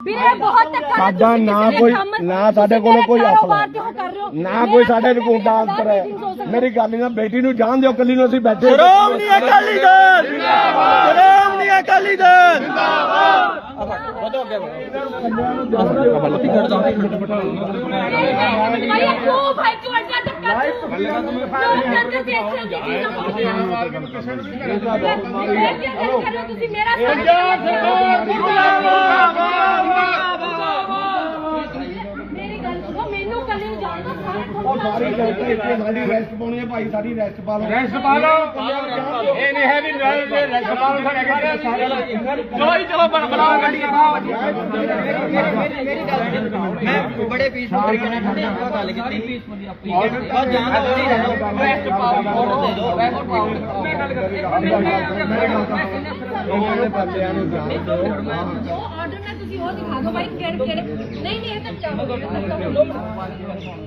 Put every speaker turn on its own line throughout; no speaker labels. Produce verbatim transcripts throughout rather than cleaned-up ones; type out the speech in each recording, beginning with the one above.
साडा ना कोई ना साडे कोल कोई असला ना कोई साडे रिपोर्टा अंतर है। मेरी गल ना बेटी नूं जान दिओ, कल्ली नूं असीं बैठे
श्रोमणी अकाली दल जिंदाबाद, श्रोमणी अकाली दल जिंदाबाद।
सारी रेस्ट पानी है भाई, सारी रेस्ट पा लो,
रेस्ट पा लो। ये नहीं है भी रेस्ट पा लो। चलो ही चलो बनाओ गाड़ी। मैं बड़े पीसफुल तरीके से ठंडे हो गल कीती और जान दो रेस्ट पाओ, ऑर्डर दे दो, रेस्ट पाओ। मैं गल करती
बंदियां नूं जान दो।
जो ऑर्डर में तुसी वो दिखा दो भाई, केड़े केड़े नहीं नहीं ये तो क्या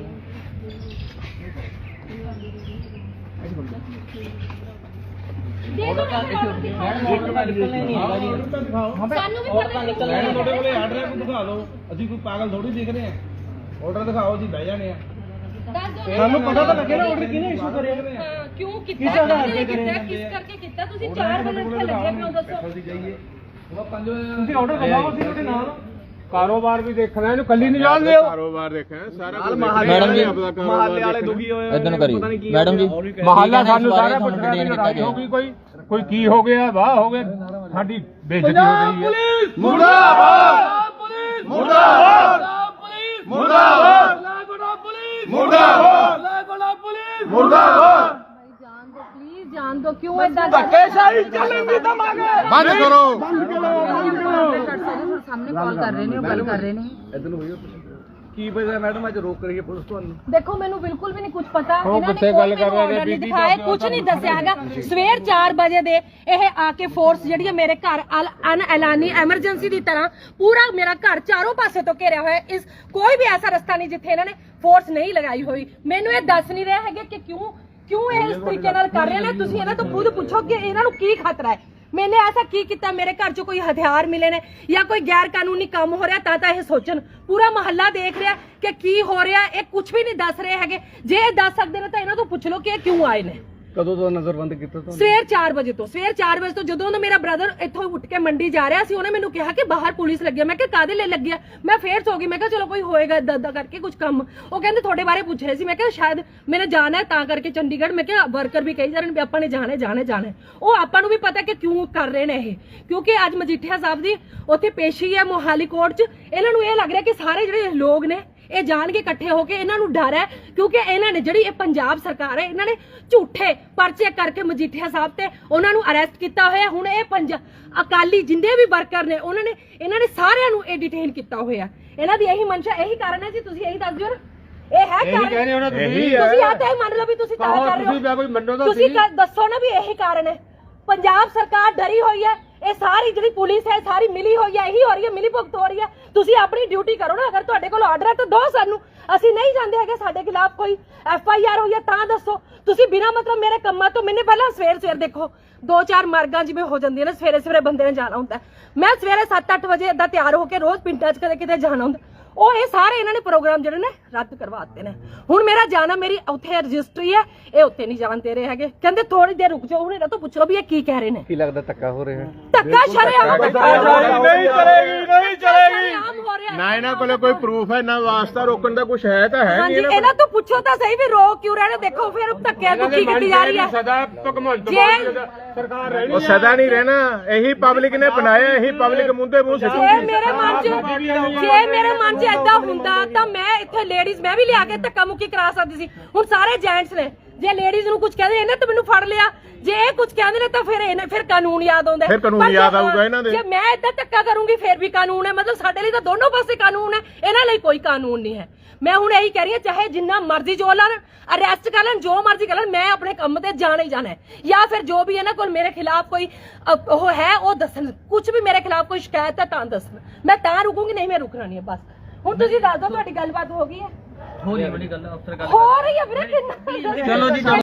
पागल थोड़ी दिख रहे हैं। ऑर्डर दिखाओ जी, बह जाने
ਸਾਨੂੰ ਪਤਾ ਤਾਂ ਲੱਗੇ ਨਾ ਆਰਡਰ ਕਿਹਨੇ ਇਸ਼ੂ ਕਰਿਆ।
ਕਿਉਂ ਕੀਤਾ, ਕਿਸ ਕਰਕੇ ਕੀਤਾ? ਤੁਸੀਂ ਚਾਰ ਵਜੇ ਇੱਥੇ ਲੱਗੇ ਪਿਓ, ਦੱਸੋ।
ਤੁਸੀਂ ਆਰਡਰ ਦਿਖਾਓ, ਅਸੀਂ ਤੁਹਾਡੇ ਨਾਲ ਕਾਰੋਬਾਰ ਵੀ ਦੇਖਣਾ, ਇਹਨੂੰ ਕੱਲੀ ਨਹੀਂ ਜਾਣ ਦਿਓ। ਕਾਰੋਬਾਰ ਦੇਖਣਾ ਸਾਰਾ ਕੁਝ।
ਮੈਡਮ ਜੀ
ਮਹੱਲੇ ਵਾਲੇ ਦੁਖੀ ਹੋਏ
ਇਦਾਂ ਨੂੰ ਕਰੀ ਮੈਡਮ ਜੀ,
ਮਹੱਲਾ ਸਾਨੂੰ ਸਾਰਾ ਪੁੱਛਣਾ ਵੀ ਲੜਾਈ ਹੋ ਗਈ, ਕੋਈ ਕੋਈ ਕੀ ਹੋ ਗਿਆ, ਵਾਹ ਹੋ ਗਿਆ, ਸਾਡੀ ਬੇਇੱਜ਼ਤੀ ਹੋ ਗਈ ਹੈ।
ਮੁਰਦਾਬਾਦ ਪੁਲਿਸ, ਮੁਰਦਾਬਾਦ ਪੁਲਿਸ, ਮੁਰਦਾਬਾਦ ਮੁਰਦਾਬਾਦ ਪੁਲਿਸ, ਮੁਰਦਾਬਾਦ।
जान दो प्लीज, जान दो। क्यों ऐसा
धक्केशाही चलेगी दमागे
बंद करो।
सामने कॉल कर रहे ने, गल कर रहे ने।
ਕੀ ਵਜ੍ਹਾ ਮੈਡਮ ਅੱਜ ਰੋਕ ਰਹੀ ਹੈ ਪੁਲਿਸ ਤੁਹਾਨੂੰ?
देखो मैनू बिल्कुल भी नहीं कुछ पता।
ਉਹ
इन्होंने
ਬੱਚੇ
कोई
ਗੱਲ ਕਰ
मैनू
ਰਹੇ ਨੇ,
order नहीं
ਬੀਬੀ
दिखाए, कुछ नहीं दस्या हैगा। ਸਵੇਰ ਚਾਰ ਵਜੇ ਦੇ ਇਹ ਆ ਕੇ ਫੋਰਸ ਜਿਹੜੀ ਹੈ ਮੇਰੇ ਘਰ ਅਨ ਐਲਾਨੀ ਐਮਰਜੈਂਸੀ ਦੀ ਤਰ੍ਹਾਂ ਪੂਰਾ ਮੇਰਾ ਘਰ ਚਾਰੋਂ ਪਾਸੇ ਤੋਂ ਘੇਰਿਆ ਹੋਇਆ। ਇਸ ਕੋਈ ਵੀ ਐਸਾ ਰਸਤਾ ਨਹੀਂ ਜਿੱਥੇ ਇਹਨਾਂ ਨੇ ਫੋਰਸ ਨਹੀਂ ਲਗਾਈ ਹੋਈ। ਮੈਨੂੰ ਇਹ ਦੱਸ ਨਹੀਂ ਰਹੇ ਹੈਗੇ ਕਿ ਕਿਉਂ ਕਿਉਂ ਇਹ ਇਸ ਤਰੀਕੇ ਨਾਲ ਕਰ ਰਹੇ ਨੇ। ਤੁਸੀਂ ਇਹਨਾਂ ਤੋਂ ਖੁਦ ਪੁੱਛੋ ਕਿ ਇਹਨਾਂ ਨੂੰ ਕੀ ਖਤਰਾ ਹੈ। मैंने ऐसा की किया, मेरे घर चो कोई हथियार मिले ने या कोई गैर कानूनी काम हो रहा ता यह सोचन। पूरा मोहल्ला देख रहा कि की हो रहा है, कुछ भी नहीं दस रहे है। जे दस सकते हैं तो इन्हों तो पूछ लो कि क्यों आए ने।
ਕਦੋਂ ਤੋਂ ਨਜ਼ਰਬੰਦ ਕੀਤਾ ਤੁਹਾਨੂੰ?
ਸਵੇਰ ਚਾਰ ਵਜੇ ਤੋਂ ਸਵੇਰ ਚਾਰ ਵਜੇ ਤੋਂ ਜਦੋਂ ਨਾ ਮੇਰਾ ਬ੍ਰਦਰ ਇੱਥੋਂ ਉੱਠ ਕੇ ਮੰਡੀ ਜਾ ਰਿਹਾ ਸੀ, ਉਹਨੇ ਮੈਨੂੰ ਕਿਹਾ ਕਿ ਬਾਹਰ ਪੁਲਿਸ ਲੱਗੀ ਹੈ। ਮੈਂ ਕਿਹਾ ਕਾਦੇ ਲਈ ਲੱਗੀ ਹੈ? ਮੈਂ ਫੇਰ ਸੋ ਗਈ। ਮੈਂ ਕਿਹਾ ਚਲੋ ਕੋਈ ਹੋਏਗਾ ਦਾਦਾ ਕਰਕੇ ਕੁਝ ਕੰਮ। ਉਹ ਕਹਿੰਦੇ ਤੁਹਾਡੇ ਬਾਰੇ ਪੁੱਛ ਰਹੇ ਸੀ। ਮੈਂ ਕਿਹਾ ਸ਼ਾਇਦ ਮੈਨੇ ਜਾਣਾ ਹੈ ਤਾਂ ਕਰਕੇ ਚੰਡੀਗੜ੍ਹ। ਮੈਂ ਕਿਹਾ ਵਰਕਰ ਵੀ ਕਹੀ ਜਾ ਰਹੇ ਨੇ ਵੀ ਆਪਾਂ ਨੇ ਜਾਣਾ ਜਾਣਾ ਜਾਣਾ। ਉਹ ਆਪਾਂ ਨੂੰ ਵੀ ਪਤਾ ਕਿ ਕਿਉਂ ਕਰ ਰਹੇ ਨੇ ਇਹ, ਕਿਉਂਕਿ ਅੱਜ ਮਜੀਠੀਆ ਸਾਹਿਬ ਦੀ ਉੱਥੇ ਪੇਸ਼ੀ ਹੈ ਮੋਹਾਲੀ ਕੋਰਟ 'ਚ। ਇਹਨਾਂ ਨੂੰ ਇਹ ਲੱਗ ਰਿਹਾ ਕਿ ਸਾਰੇ ਜਿਹੜੇ ਲੋਕ ਨੇ ਇਹ ਜਾਣ ਕੇ ਇਕੱਠੇ ਹੋ ਕੇ ਇਹਨਾਂ ਨੂੰ ਡਰ ਹੈ, ਕਿਉਂਕਿ ਇਹਨਾਂ ਨੇ ਜਿਹੜੀ ਇਹ ਪੰਜਾਬ ਸਰਕਾਰ ਹੈ ਇਹਨਾਂ ਨੇ ਝੂਠੇ ਪਰਚੇ ਕਰਕੇ ਮਜੀਠੀਆ ਸਾਹਿਬ ਤੇ ਉਹਨਾਂ ਨੂੰ ਅਰੈਸਟ ਕੀਤਾ ਹੋਇਆ। ਹੁਣ ਇਹ ਪੰਜਾਬ ਅਕਾਲੀ ਜਿੰਦੇ ਵੀ ਵਰਕਰ ਨੇ ਉਹਨਾਂ ਨੇ ਇਹਨਾਂ ਨੇ ਸਾਰਿਆਂ ਨੂੰ ਇਹ ਡਿਟੇਨ ਕੀਤਾ ਹੋਇਆ। ਇਹਨਾਂ ਦੀ ਇਹੀ ਮਨਸ਼ਾ ਇਹੀ ਕਾਰਨ ਹੈ ਜੀ। ਤੁਸੀਂ ਇਹੀ ਦੱਸ ਦਿਓ ਨਾ, ਇਹ ਹੈ ਕਾਰਨ? ਤੁਸੀਂ ਆ ਤਾਂ ਇਹ ਮੰਨ ਲਓ ਵੀ ਤੁਸੀਂ ਤਾਂ ਕਰ ਰਹੇ ਹੋ। ਤੁਸੀਂ ਦੱਸੋ ਨਾ ਵੀ ਇਹੀ ਕਾਰਨ ਹੈ। ਪੰਜਾਬ ਸਰਕਾਰ ਡਰੀ ਹੋਈ ਹੈ। ਇਹ ਸਾਰੀ ਜਿਹੜੀ ਪੁਲਿਸ ਹੈ ਸਾਰੀ ਮਿਲੀ ਹੋਈ ਹੈ, ਇਹੀ ਹੋ ਰਹੀ ਹੈ, ਮਿਲੀ ਭੁਗਤ ਹੋ ਰਹੀ ਹੈ। ਤੁਸੀਂ ਆਪਣੀ ਡਿਊਟੀ ਕਰੋ ਨਾ। ਅਗਰ ਤੁਹਾਡੇ ਕੋਲ ਆਰਡਰ ਹੈ ਤਾਂ ਦੋ ਸਾਨੂੰ। ਅਸੀਂ ਨਹੀਂ ਜਾਂਦੇ ਹੈਗੇ, ਸਾਡੇ ਖਿਲਾਫ ਕੋਈ ਐਫ ਆਈ ਆਰ ਹੋਈ ਹੈ ਤਾਂ ਦੱਸੋ। ਤੁਸੀਂ ਬਿਨਾਂ ਮਤਲਬ ਮੇਰੇ ਕੰਮਾਂ ਤੋਂ ਮੈਨੇ ਪਹਿਲਾਂ ਸਵੇਰ ਸਵੇਰ ਦੇਖੋ ਦੋ ਚਾਰ ਮਾਰਗਾਂ ਜਿਵੇਂ ਹੋ ਜਾਂਦੀਆਂ ਨੇ, ਸਵੇਰੇ ਸਵੇਰੇ ਬੰਦੇ ਨੇ ਜਾਣਾ ਹੁੰਦਾ। ਮੈਂ ਸਵੇਰੇ ਸੱਤ ਅੱਠ ਵਜੇ ਏਦਾਂ ਤਿਆਰ ਹੋ ਕੇ ਰੋਜ਼ ਪਿੰਡਾਂ 'ਚ ਕਦੇ ਕਿਤੇ ਜਾਣਾ ਹੁੰਦਾ। ਉਹ ਇਹ ਸਾਰੇ ਇਹਨਾਂ ਨੇ ਪ੍ਰੋਗਰਾਮ ਜਿਹੜੇ ਨੇ ਰੱਦ ਕਰਵਾ ਦਿੱਤੇ ਨੇ। ਹੁਣ ਮੇਰਾ ਜਾਣਾ, ਮੇਰੀ ਉੱਥੇ ਰਜਿਸਟਰੀ ਹੈ, ਇਹ ਉੱਥੇ ਨਹੀਂ ਜਾਣ ਦੇ ਰਹੇ ਹੈਗੇ। ਕਹਿੰਦੇ ਥੋੜੀ ਦੇਰ ਰੁਕ ਜਾਓ। ਹੁਣ ਇਹਨਾਂ ਤੋਂ ਪੁੱਛ ਲਓ ਵੀ ਇਹ ਕੀ ਕਹਿ ਰਹੇ ਨੇ।
ਕੀ ਲੱਗਦਾ ਧੱਕਾ ਹੋ ਰਿਹਾ?
ਧੱਕਾ ਸ਼ਰੇਆਮ
ਨਹੀਂ ਚਲੇਗੀ, ਨਹੀਂ ਚਲੇਗੀ।
ਹੋ ਰਿਹਾ
ਨਾ ਇਹਨਾਂ ਕੋਲੇ ਕੋਈ ਪ੍ਰੂਫ ਹੈ ਨਾ ਵਾਸਤਾ ਰੋਕਣ ਦਾ ਕੁਝ ਹੈ ਤਾਂ ਹੈ
ਹਾਂਜੀ। ਇਹਨਾਂ ਤੋਂ ਪੁੱਛੋ ਤਾਂ ਸਹੀ ਵੀ ਰੋਕ ਕਿਉਂ ਰਹੇ ਨੇ। ਦੇਖੋ ਫਿਰ ਧੱਕਿਆਂ ਦੁੱਖੀ ਕੀਤੀ ਜਾ ਰਹੀ ਹੈ।
ਸਦਾ ਭਗਵੰਤ
ਜੇ
ਸਰਕਾਰ ਰਹਿਣੀ ਉਹ ਸਦਾ ਨਹੀਂ ਰਹਿਣਾ। ਇਹੀ ਪਬਲਿਕ ਨੇ ਬਣਾਇਆ, ਇਹੀ ਪਬਲਿਕ ਮੁੰਦੇ ਮੂੰਹ
ਜੇ
ਸਿੱਟੂਗੀ।
ਮੇਰੇ ਮਨ 'ਚ ਜੇ ਮੇਰੇ ਮਨ 'ਚ ਏਦਾਂ ਹੁੰਦਾ ਤਾਂ ਮੈਂ ਇੱਥੇ ਲੇਡੀਜ਼ ਮੈਂ ਵੀ ਲਿਆ ਕੇ ਧੱਕਾ ਮੁੱਕੀ ਕਰਾ ਸਕਦੀ ਸੀ। ਹੁਣ ਸਾਰੇ ਜੈਂਟਸ ਨੇ, ਜੇ ਲੇਡੀਜ਼ ਨੂੰ ਕੁਝ ਕਹਿੰਦੇ ਇਹਨੇ ਤਾਂ ਮੈਨੂੰ ਫੜ ਲਿਆ। ਜੇ ਇਹ ਕੁਝ ਕਹਿੰਦੇ ਨੇ ਤਾਂ ਫਿਰ ਇਹਨੇ ਫਿਰ ਕਾਨੂੰਨ ਯਾਦ ਆਉਂਦਾ।
ਫਿਰ ਕਾਨੂੰਨ ਯਾਦ ਆਊਗਾ ਇਹਨਾਂ ਦੇ।
ਜੇ ਮੈਂ ਏਦਾਂ ਧੱਕਾ ਕਰੂੰਗੀ ਫਿਰ ਵੀ ਕਾਨੂੰਨ ਹੈ। ਮਤਲਬ ਸਾਡੇ ਲਈ ਤਾਂ ਦੋਨੋਂ ਪਾਸੇ ਕਾਨੂੰਨ ਹੈ, ਇਹਨਾਂ ਲਈ ਕੋਈ ਕਾਨੂੰਨ ਨਹੀਂ ਹੈ। ਮੈਂ ਹੁਣ ਇਹੀ ਕਹਿ ਰਹੀ ਹਾਂ, ਚਾਹੇ ਜਿੰਨਾ ਮਰਜ਼ੀ ਜੋ ਲੈਣ, ਅਰੈਸਟ ਕਰ ਲੈਣ, ਜੋ ਮਰਜ਼ੀ ਕਰ ਲੈਣ, ਮੈਂ ਆਪਣੇ ਕੰਮ ਤੇ ਜਾਣਾ ਹੀ ਜਾਣਾ ਹੈ। ਜਾਂ ਫਿਰ ਜੋ ਵੀ ਇਹਨਾਂ ਕੋਲ ਮੇਰੇ ਖਿਲਾਫ ਕੋਈ ਉਹ ਹੈ ਉਹ ਦੱਸਣ। ਕੁਝ ਵੀ ਮੇਰੇ ਖਿਲਾਫ ਕੋਈ ਸ਼ਿਕਾਇਤ ਹੈ ਤਾਂ ਦੱਸਣ। ਮੈਂ ਤਾਂ ਰੁਕੂੰਗੀ, ਨਹੀਂ ਮੈਂ ਰੁਕਣਾ ਨਹੀਂ ਹੈ ਬਸ। ਹੁਣ ਤੁਸੀਂ ਦੱਸ ਦਿਓ ਤੁਹਾਡੀ ਗੱਲਬਾਤ ਹੋ ਗਈ ਹੈ?
ਹੋ ਰਹੀ ਹੈ ਬੜੀ ਗੱਲ ਅਫਸਰ ਗੱਲ
ਹੋ ਰਹੀ ਹੈ ਵੀਰੇ ਕਿੰਨਾ।
ਚਲੋ ਜੀ।